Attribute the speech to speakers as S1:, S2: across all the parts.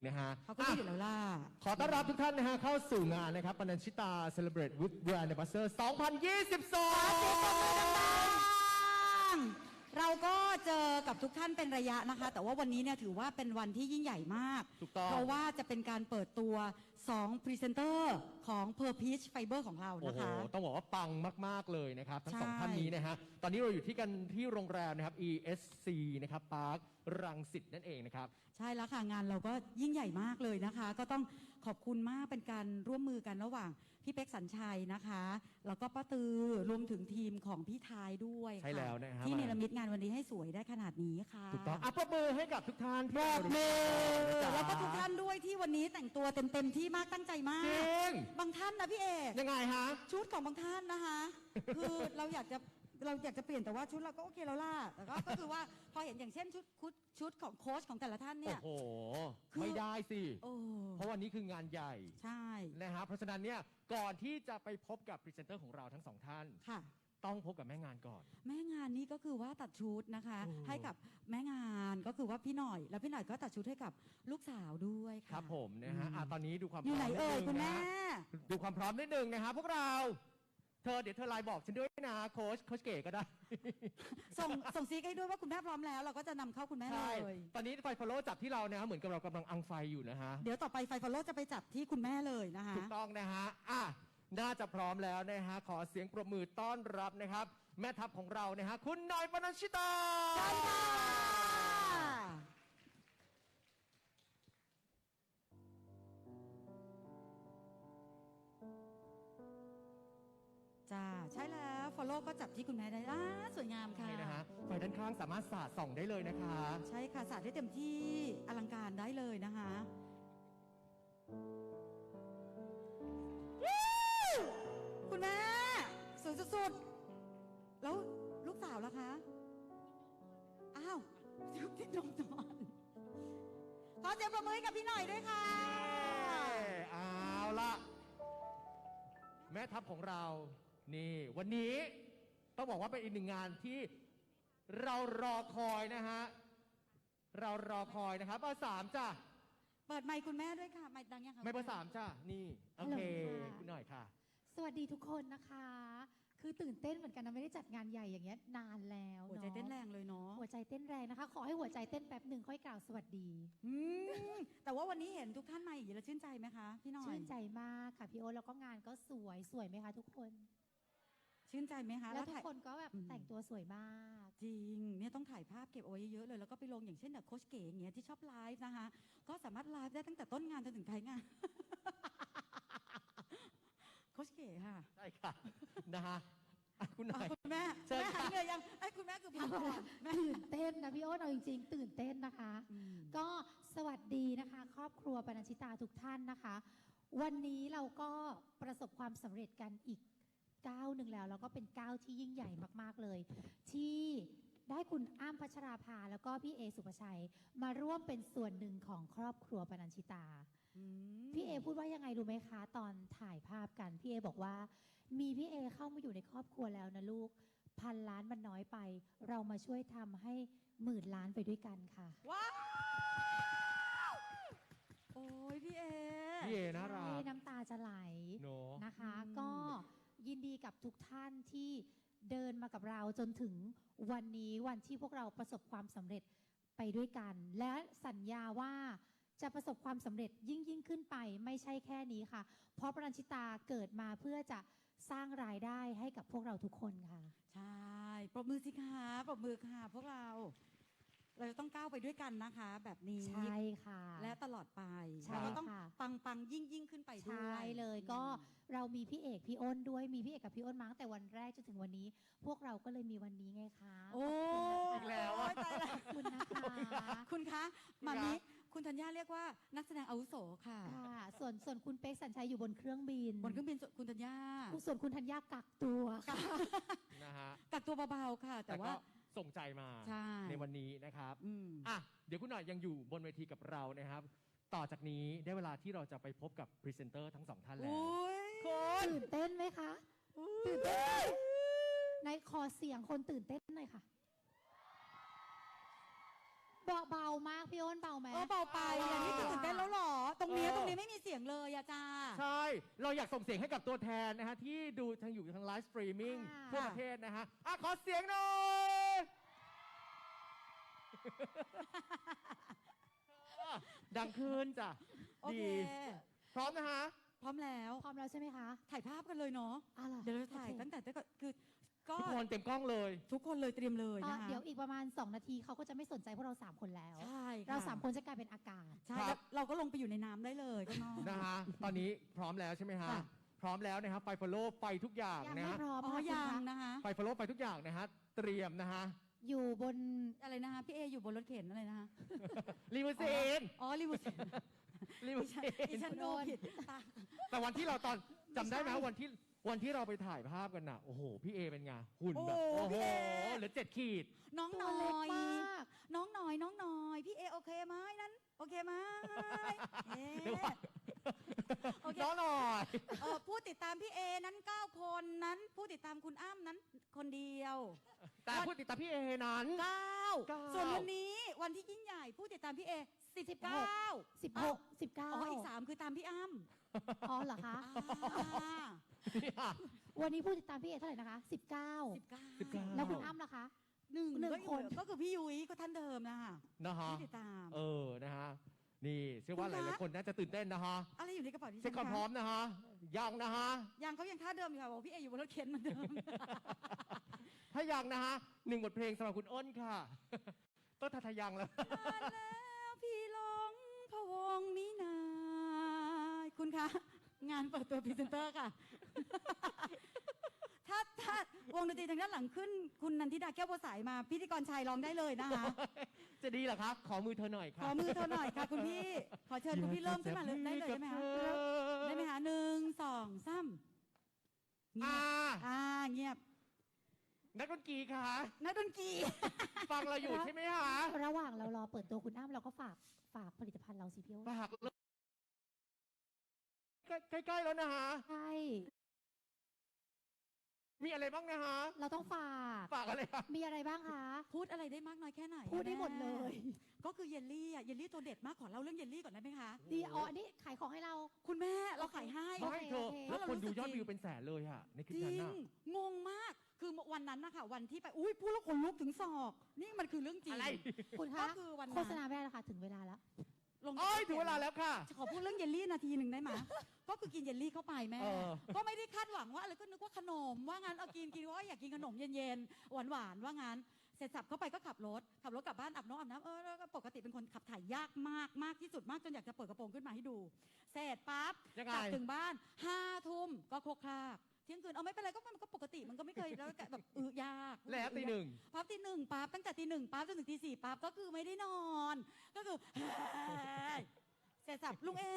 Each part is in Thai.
S1: นะฮะ
S2: เขาก็รู้อยู่แล้วล่ะ
S1: ขอต้อนรับทุกท่านนะฮะเข้าสู่งานนะครับปนัญชิตา Celebrate with Brand Ambassador 2022
S2: เราก็เจอกับทุกท่านเป็นระยะนะคะแต่ว่าวันนี้เนี่ยถือว่าเป็นวันที่ยิ่งใหญ่มาก
S1: ถูกต้อง
S2: เพราะว่าจะเป็นการเปิดตัว2พรีเซนเตอร์ของ Per Peach Fiber ของเรา
S1: โอ้
S2: นะ
S1: โห
S2: คะ
S1: ต้องบอกว่าปังมากๆเลยนะครับทั้ง
S2: ใช่
S1: สองท่านนี้นะฮะตอนนี้เราอยู่ที่กันที่โรงแรมนะครับ ESC นะครับพาร์ครังสิตนั่นเองนะครับ
S2: ใช่แล้วค่ะงานเราก็ยิ่งใหญ่มากเลยนะคะ ก็ต้องขอบคุณมากเป็นการร่วมมือกันระหว่างพี่เป๊กสัญชัยนะคะแล้วก็ป้าตือรวมถึงทีมของพี่ทายด้วยค่ะ
S1: ใช่แล้วนะครับ
S2: ที่เนรมิตงานวันนี้ให้สวยได้ขนาดนี้ค่ะ
S1: ถูกต้องปรบมือให้กับทุกท่านที่
S2: ปรบมือ
S1: จ้า
S2: แล้วก็ทุกท่านด้วยที่วันนี้แต่งตัวเต็มที่มากตั้งใจมาก
S1: จริง
S2: บางท่านนะพี่เอก
S1: ยังไงฮะ
S2: ชุดของบางท่านนะคะ คือเราอยากจะเปลี่ยนแต่ว่าชุดเราก็โอเคแล้วล่ะแต่ก็คือว่าพอเห็นอย่างเช่นชุดของโค้ชของแต่ละท่านเนี่
S1: โอ้
S2: ย
S1: โห
S2: คือ
S1: ไม่ได้สิ
S2: โอ้
S1: เพราะวันนี้คืองานใหญ่
S2: ใช่
S1: นะฮะเพราะฉะนั้นเนี่ยก่อนที่จะไปพบกับพรีเซนเตอร์ของเราทั้งสองท่าน
S2: ค่ะ
S1: ต้องพบกับแม่งานก่อน
S2: แม่งานนี้ก็คือว่าตัดชุดนะคะ
S1: โอ้
S2: ให้กับแม่งานก็คือว่าพี่หน่อย แล้วพี่หน่อยก็ตัดชุดให้กับลูกสาวด้วยค่ะ
S1: ครับผมนะฮะตอนนี้ดูความพ
S2: อยู่
S1: ร้
S2: ไหน
S1: อมนิด
S2: เอ่ย
S1: นึง
S2: คุณ
S1: นะ
S2: แม่
S1: ฮะดูความพร้อมนิดนึงนะฮะพวกเราเดี๋ยวเธอไลน์บอกฉันด้วยนะโค้ชเก๋ก็ได้
S2: ส่งซีกให้ด้วยว่าคุณแม่พร้อมแล้ว เราก็จะนำเข้าคุณแม่เล
S1: ใช่
S2: ย
S1: ตอนนี้ไฟฟอลโล่จับที่เรานะฮะเหมือนกับเรากำลังอังไฟอยู่นะฮะ
S2: เดี๋ยวต่อไปไฟฟอลโล่จะไปจับที่คุณแม่เลยนะคะ
S1: ถูกต้องนะฮะน่าจะพร้อมแล้วนะฮะขอเสียงปรบมือต้อนรับนะครับ แม่ทัพของเรานะฮะคุณหน่อยปนัญชิตา
S2: ใช่ค่ะจ้าใช่แล้วฟอลโล่ก็จับที่คุณแม่ได้สวยงามค่ะ
S1: ใช่นะฮะไฟด้านข้างสามารถสาดส่องได้เลยนะคะ
S2: ใช่ค่ะสาดได้เต็มที่อลังการได้เลยนะคะคุณแม่สวยสุดๆแล้วลูกสาวล่ะคะอ้าวที่นอนขอเสียงปรบมือให้กับพี่หน่อยด้วยค่ะ
S1: เอาละแม่ทัพของเรานี่วันนี้ต้องบอกว่าเป็นอีกหนึ่งงานที่เรารอคอยนะฮะเรารอคอยนะครับเบอร์สามจ้ะ
S2: เปิดไมค์คุณแม่ด้วยค่ะไมค์ดังยังคะ
S1: ไม่เบอร์สามจ้ะนี่โอเค
S3: ฮัลโหลค่ะ
S1: คุณหน่อยค่ะ
S3: สวัสดีทุกคนนะคะ คือตื่นเต้นเหมือนกันนะไม่ได้จัดงานใหญ่อย่างเงี้ยนานแล้ว
S2: หัวใจเต้นแรงเลยเนาะ
S3: หัวใจเต้นแรงนะคะ ขอให้หัวใจเต้นแป๊บหนึ่งค่อยกล่าวสวัสดี
S2: อืมแต่ว่าวันนี้เห็นทุกท่านมาอย่างนี้แล้วชื่นใจไหมคะพี่หน่อย
S3: ชื่นใจมากค่ะพี่โอ๊ตแล้วก็งานก็สวยไหมคะทุกคน
S2: ชื่นใจไหมคะ
S3: แล้วทุก
S2: ถ่าย
S3: คนก็แบบแต่งตัวสวยมาก
S2: จริงเนี่ยต้องถ่ายภาพเก็บเอาไว้เยอะๆเลยแล้วก็ไปลงอย่างเช่นแบบโคชเก๋อย่างเงี้ยที่ชอบไลฟ์นะคะก็สามารถไลฟ์ได้ตั้งแต่ต้นงานจนถึงท้ายงาน โคชเก๋ค่ะ
S1: ใช่ค่ะนะฮะคุณหน่อย
S2: คุณแม่
S1: เชิญ
S2: แม่หาย
S1: ค่ะ
S2: เหนื่อยยังไอ้ยคุณแม่คือพักก่อนแม่
S3: ตื่นเต้นนะพี่โอ๊ตเอาจริงๆ ตื่นเต้นนะคะ ก็สวัสดีนะคะ ครอบครัวปนัญชิตาทุกท่านนะคะ วันนี้เราก็ประสบความสำเร็จกันอีกก้าวหนึ่งแล้วก็เป็นก้าวที่ยิ่งใหญ่มากๆเลย ที่ได้คุณอ้ำพัชราภาแล้วก็พี่เอสุภชัย มาร่วมเป็นส่วนหนึ่งของครอบครัวปนัญชิตา พี่เอพูดว่ายังไงรู้ไหมคะ ตอนถ่ายภาพกันพี่เอบอกว่า มีพี่เอเข้ามาอยู่ในครอบครัวแล้วนะลูก1,000 ล้านมันน้อยไป เรามาช่วยทำให้10,000 ล้านไปด้วยกันค่ะ
S2: ว้าวโอ้ยพี่เอ
S1: พี่เอน่ารัก
S3: ใช่น้ำตาจะไหล
S1: เนอะ
S3: นะคะ ก็ยินดีกับทุกท่านที่เดินมากับเราจนถึงวันนี้วันที่พวกเราประสบความสำเร็จไปด้วยกัน และสัญญาว่าจะประสบความสำเร็จยิ่งขึ้นไปไม่ใช่แค่นี้ค่ะ เพราะปรัญชิตาเกิดมาเพื่อจะสร้างรายได้ให้กับพวกเราทุกคนค่ะ
S2: ใช่ปรบมือสิคะปรบมือค่ะพวกเรา เราจะต้องก้าวไปด้วยกันนะคะ แบบนี้
S3: ใช่ค่ะ
S2: และตลอดไป
S3: ใช่
S2: เราต้อง
S3: ค่ะ
S2: ปังยิ่งขึ้นไปด้วย
S3: ใช่เลยก็เรามีพี่เอกพี่อ้นด้วยมีพี่เอกกับพี่อ้นมาตั้งแต่วันแรกจนถึงวันนี้ พวกเราก็เลยมีวันนี้ไงคะ
S2: โอ้
S1: อีกแล้วอะ
S2: ยตายแล้ว
S3: ขอบคุณนะคะ
S2: คุณคะมามิคุณธัญญาเรียกว่านักแสดงอาวุโสค่ะ
S3: ค่ะส่วนคุณเป๊กสัญชัยอยู่บนเครื่องบิน
S2: บนเครื่องบินคุณธัญญา
S3: ส่วนคุณธัญญากักตัวค่ะ
S1: นะฮะ
S2: กักตัวเบาๆค่ะ แต่
S1: แต่
S2: ว่า
S1: ก็ส่งใจมา
S2: ใช่
S1: วันนี้นะครับ
S2: อืม
S1: เดี๋ยวคุณหน่อยยังอยู่บนเวทีกับเรานะครับ ต่อจากนี้ได้เวลาที่เราจะไปพบกับพรีเซนเตอร์ทั้งสองท่านแล้ว
S2: อุ้ย
S3: ตื่นเต้นไหมคะตื่นเต้นไหมในขอเสียงคนตื่นเต้นหน่อยค่ะเบามากพี่อ้นเบาไหม
S2: เบาไปอ่ะนี่คือตื่นเต้นแล้วเหรอ ตรงนี้ไม่มีเสียงเลยอะจ้า
S1: ใช่ เราอยากส่งเสียงให้กับตัวแทนนะฮะที่ดูทางอยู่ทางไลฟ์สตรีมมิ่งทั่วประเทศนะฮะขอเสียงหน่อยดังขึ้นจ้ะ
S2: โอเค
S1: ดีพร้อมนะฮะ
S2: พร้อมแล้ว
S3: พร้อมแล้วใช่ไหมคะ
S2: ถ่ายภาพกันเลยเนาะ
S3: อะไรอ
S2: เดี๋ยวเราถ่าย
S3: โอเค
S2: ตั้งแต่คือก็
S1: ทุกคนเต็มกล้องเลย
S2: ทุกคนเลยเตรียมเลยนะคะ
S3: เดี๋ยวอีกประมาณ 2 นาทีเขาก็จะไม่สนใจพวกเรา 3 คนแล้ว
S2: ใช่ค่ะ
S3: เรา 3 คนจะกลายเป็นอากาศ
S2: ใช่
S1: ครับ
S2: แล้วเราก็ลงไปอยู่ในน้ำได้เลยข้างนอก
S1: นะฮะ ตอนนี้พร้อมแล้วใช่ไหมฮะ
S2: ค่ะ
S1: พร้อมแล้วนะครับ ไฟฟอลโล่ไฟทุกอย่าง
S3: ยัง
S1: นะ
S3: ไม่
S1: ฮะ
S3: พร้อม
S2: อ๋อ
S3: ค่ะ
S2: ยัง
S3: คุณคะ
S2: นะคะ
S1: ไฟฟอลโล่ไฟทุกอย่างนะฮะ เตรียมนะฮะ
S3: อยู่บน
S2: อะไรนะคะพี่เออยู่บนรถเข็นอะไรนะคะ
S1: ลิมูซีน
S2: อ๋อลิมูซีน
S1: ลิมูซี
S2: ดิ
S1: น
S2: ฉันดูผิดตา
S1: แต่วันที่เราตอนจำได้ไหม
S2: ไม่ใช่
S1: วันที่เราไปถ่ายภาพกันน่ะ โอ้โห พี่เอเป็นไงหุ่นแบบ
S2: โอ้
S1: โอ้โห
S2: พี่เอ
S1: เหลือ7 ขีด
S2: น้อง
S3: ตั
S2: ห
S3: ว
S2: น่
S3: เล็ก
S2: อย
S3: มาก
S2: น้องหน่อยพี่เอโอเคไหมนั้นโอเคไหมเอ๊ะ
S1: เดี๋ยวก่อน
S2: โอเค
S1: น้องหน่อย
S2: ผู้ติดตามพี่เอนั้น9 คนนั้นผู้ติดตามคุณอ้ำนั้นคนเดียว
S1: แต่พูดติดตามพี่เอนั้น
S2: 9ส่วนวันนี้วันที่ยิ่งใหญ่ผู้ติดตามพี่เอ19
S3: 16 19
S2: อ๋ออีก3คือตามพี่อ้ำ
S3: อ๋อเหรอคะ วันนี้ผู้ติดตามพี่เอเท่าไหร่นะคะ 19 แล้วคุณอ้ำล่ะคะ
S2: หนึ่ง
S3: คน
S2: ก็คือพี่ยุ้ยก็ท่านเดิมนะคะ
S1: นะฮะ
S2: ที่ติดตาม
S1: นะฮะ นี่เชื่อว่าห
S2: คุณคะ
S1: ลายๆคนน่าจะตื่นเต้นนะฮะ
S2: อะไรอยู่ในกระเป๋าที่
S1: เช็คความพร้อมนะฮะ ยังนะฮะ
S2: ยังเขายังท่าเดิมอยู่ค่ะบอกพี่เออยู่บนรถเข็นเหมือนเดิม
S1: ถ้ายังนะฮะ1 บทเพลงสำหรับคุณอ้นค่ะ ต้นทาทายังแล้ว
S2: มาแล้วพี่หลงพะวงมินายคุณคะ งานเปิดตัวพรีเซนเตอร์ค่ะ ถ้าวงดนตรีทางด้านหลังขึ้น คุณนันทิดาแก้วบัวสายมา พิธีกรชายร้องได้เลยนะคะ
S1: จะดีเหรอครับ ขอมือเธอหน่อยค
S2: ข
S1: รั
S2: อบ มือเธอหน่อยค่ะ คุณพี่ ขอเชิญคุณพี่เริ่มขึ้นมาเลยได้เลยได้ไหมคะได้ไหมคะ1 2 3เงียบเงียบ
S1: นักดนตรีค่ะ
S2: นักดนตรี
S1: ฟังเราอยู่ใช่ไหมฮะ
S3: ระหว่างเรารอเปิดตัวคุณอ้ำเราก็ฝากผลิตภัณฑ์เราสิพี่อ้น
S1: ฝากเลยใกล้ๆแล้วนะฮะ
S3: ใช่
S1: มีอะไรบ้างนะฮะ
S3: เราต้องฝาก
S1: ฝากอะไรครับ
S3: มีอะไรบ้างคะ
S2: พูดอะไรได้มากน้อยแค่ไหน
S3: พูดได้หมดเลย
S2: ก็คือเยลลี่อ่ะเยลลี่ตัวเด็ดมากขอเล่าเรื่องเยลลี่ก่อนได้ไหมคะ
S3: ดีอ๋ออันนี้ขายของให้เรา
S2: คุณแม่เราขายให้
S3: โอ
S1: ไม่
S3: เค
S1: เธอ
S3: โอเค
S1: แล้วคนดูยอด
S2: เรารู้สึกจริง
S1: วิวเป็นแสนเลยอะในคลิป
S2: จริ
S1: นั้น
S2: ง
S1: น่ะ
S2: งงมากคือวันนั้นนะคะวันที่ไปอุ้ยพูดแล้วขนลุกถึงศอก นี่มันคือเรื่องจริง
S1: อะไร
S3: คุณ
S2: ก็
S3: คะ
S2: คือวัน
S3: โฆ
S2: นั้น
S3: ษณาไม่ได้แล้วค่ะถึงเวลาแล้ว
S2: ลง
S1: โอ้ยถึงเวลาแล้วค่ะ
S2: ขอพูดเรื่องเยลลี่นาทีหนึ่งได้ไหม ก็คือกินเยลลี่เข้าไปแม่
S1: เออ
S2: ก็ไม่ได้คาดหวังว่าอะไรก็นึกว่าขนมว่างั้นเอากินว่าอยากกินขนมเย็นๆหวานๆว่างั้นเสร็จสับเข้าไปก็ขับรถกลับบ้านอาบน้ำแล้วก็ปกติเป็นคนขับถ่ายยากมากที่สุดมากจนอยากจะเปิดกระโปรงขึ้นมาให้ดู เสร็จปั๊บ
S1: ยังไง
S2: กลับถึงบ้าน5 ทุ่มก็โคกครากเที่ยงคืนเอาไม่เป็นไรก็มันก็ปกติมันก็ไม่เคยแล้วแบบยาก
S1: แล้วตีหนึ่ง
S2: ปั๊บตี 1ปั๊บตั้งแต่ตี 1ปั๊บจนถึงตี 4ปั๊บก็คือไม่ได้นอนก็คือ เสร็จสับลุงเอ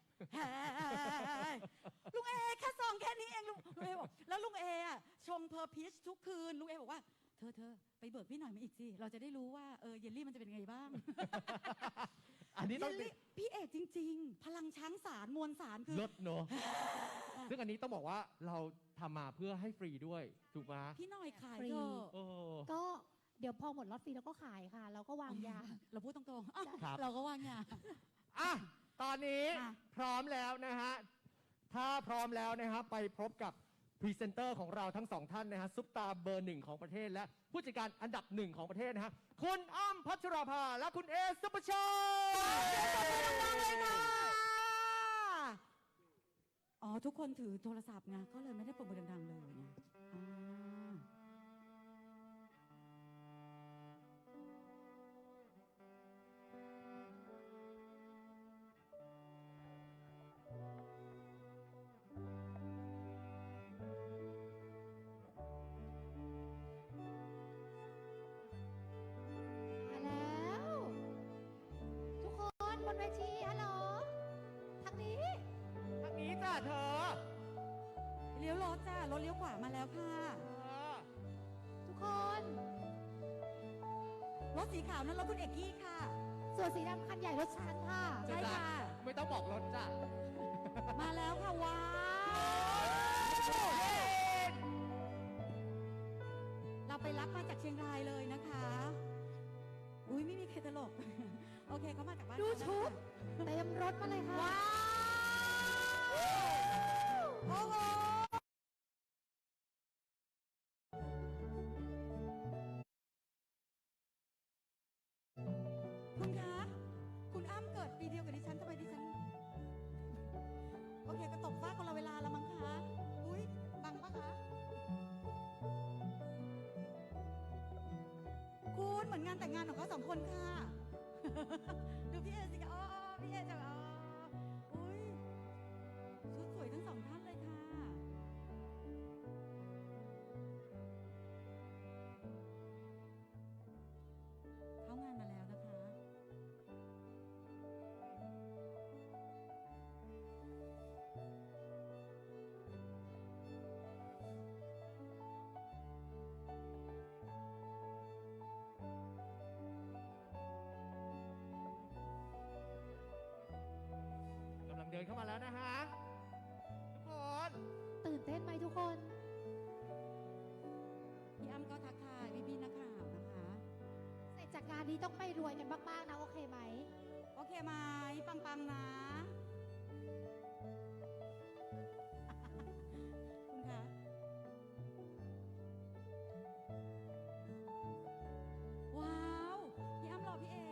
S2: ลุงเอแค่ซองแค่นี้เองลุงเอบอกแล้วลุงเออะชงเพอร์พีชทุกคืนลุงเอบอกว่าเธอไปเบิกพี่หน่อยมาอีกสิเราจะได้รู้ว่าเยลลี่มันจะเป็นไงบ้าง
S1: อันนี้
S2: เย
S1: ต้อง
S2: ลลี่พี่เอกจริง ๆ พลังช้างสารมวลสารคือ
S1: ลดเนอะซึ่งอันนี้ต้องบอกว่าเราทำมาเพื่อให้ฟรีด้วย ถูกไหม
S2: พี่หน่อยขาย
S3: ฟรี
S2: เถอะ
S1: โอ้
S3: ก็เดี๋ยวพอหมดล็อตฟรีเราก็ขายค่ะ เราก็วางยา
S2: เราพูดตรงๆอ้าว
S1: ครับ
S2: เราก็ว่างยา
S1: อ่ะตอนนี้
S2: ค่ะ
S1: พร้อมแล้วนะฮะ ถ้าพร้อมแล้วนะฮะไปพบกับพรีเซนเตอร์ของเราทั้ง 2 ท่านนะฮะซุปตาเบอร์ 1ของประเทศ และผู้จัดการอันดับ 1ของประเทศนะฮะคุณอ้ำพัชราภาและคุณเอซุปเปอร์ชัย
S2: เลยค่ะอ๋อทุกคนถือโทรศัพท์ไงก็เลยไม่ได้ปรบมือดังๆเลยไงอ่า
S3: มาแล้ว ทุกคนบนเวทีฮัลโหลทางนี้
S1: ทางนี้จ้ะเธอ
S2: เลี้ยวรถจ้ารถเลี้ยวขวามาแล้วค่ะ
S3: ทุกคน
S2: รถสีขาวนั้นรถคุณเอกกี้ค่ะ
S3: ส่วนสีดำคันใหญ่รถฉันค่ะ
S2: ใช่ค่ะ
S1: ไม่ต้องบอกรถจ้ะ
S2: มาแล้วค่ะว้าวเราไปรับมาจากเชียงรายเลยนะคะ อุ้ยไม่มีใครตลกเคเขามาจากบ้าน
S3: ดูชุด เต็มรถมาเลยค่ะ
S2: ว้าวโอ้โหคุณคะ คุณอ้ำเกิดปีเดียวกับดิฉันทำไมดิฉัน โอเคก็ตกฟ้าคนละเวลาละมั้งคะ อุ้ยบังปะคะ คุณเหมือนงานแต่งงานของเขาสองคนค่ะ ดูพี่เอสิคะอ๋อพี่เอจะอ๋ออุ้ยชุดสวยทั้งสองท่านเลยค่ะ เข้างานมาแล้วนะคะ
S1: กำลังเดินเข้ามาแล้วนะฮะทุกคน
S3: ตื่นเต้นไหมทุกคน
S2: พี่อ้ำก็ทักทายพี่ๆนักข่าวนะคะ
S3: เสร็จจากงานนี้ต้องไปรวยกันมากๆนะ โอเคไหม
S2: โอเคไหมปังๆนะ คุณคะ ว้าว พี่อ้ำรอพี่เอ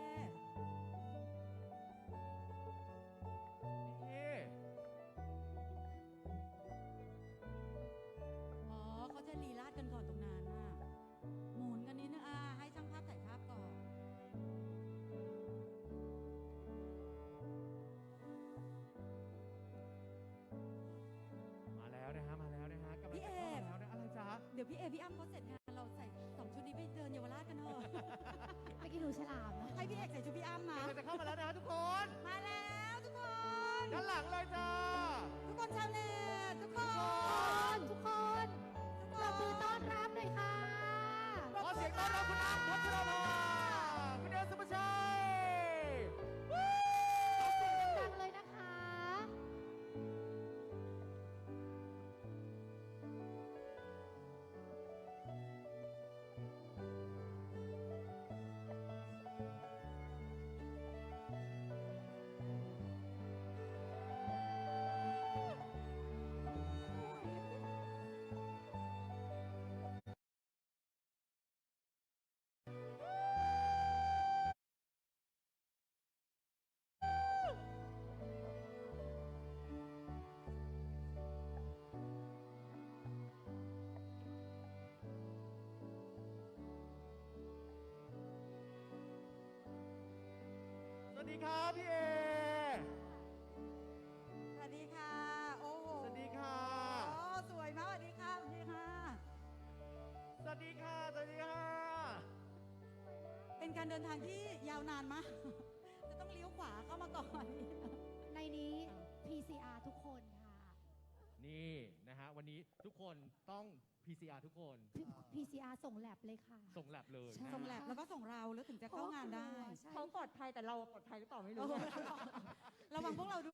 S1: นี่
S2: อ๋อเขาจะลีลาดกันก่อนตรงนั้นน่ะ หมุนกันนิดนึงให้ช่างภาพถ่ายภาพก่อน
S1: มาแล้วนะฮะกำลังจะเข้ามาแล้วนะอะไรจ๊ะ
S2: เดี๋ยวพี่เอพี่อ้ำเขาเสร็จงานเราใส่สองชุดนี้ไปเดินเยาวราชกันเถอะ
S3: ไปกินหนูฉลามนะ
S2: ให้พี่เอกใส่ชุดพี่อ้ำนะ
S1: กำลังจะเข้ามาแล้วนะฮะทุกคน
S2: มาแล้วทุกคน
S1: ด้านหลังเลยจ้า
S2: ทุกคนชาวเน็ตทุกคน
S3: ทุกคนปรบมือต้อนรับหน่อยค่ะ
S1: ขอเสียงต้อนรับคุณอ้ำพัชราภาคุณเดชสุภาชัย
S3: ขอเสียงดังๆเลยนะคะ
S1: สวัสดีครับพี่เอ
S2: สวัสดีค่ะ โอ้โห
S1: สวัสดีค่ะ
S2: โอ้สวยมากสวัสดีค่ะ สวัสดีค่ะ
S1: สวัสดีค่ะ สวัสดีค่ะ
S2: เป็นการเดินทางที่ยาวนานมาก จะต้องเลี้ยวขวาเข้ามาก่อน
S3: ในนี้ PCR ทุกคนค่ะ
S1: นี่นะฮะวันนี้ทุกคนต้อง PCR ทุกคน
S3: PCR ส่งแลบเลยค่ะ
S1: ส่งแลบเลย
S3: ใช่
S1: นะ
S2: ส่งแลบแล้วก็ส่งเราแล้วถึงจะเข้างานได้
S3: ใช่
S4: เขาปลอดภัยแต่เราปลอดภัยหรือเปล่าไม่
S2: โอ้
S4: รู้
S2: โหระวังพวกเราด้วย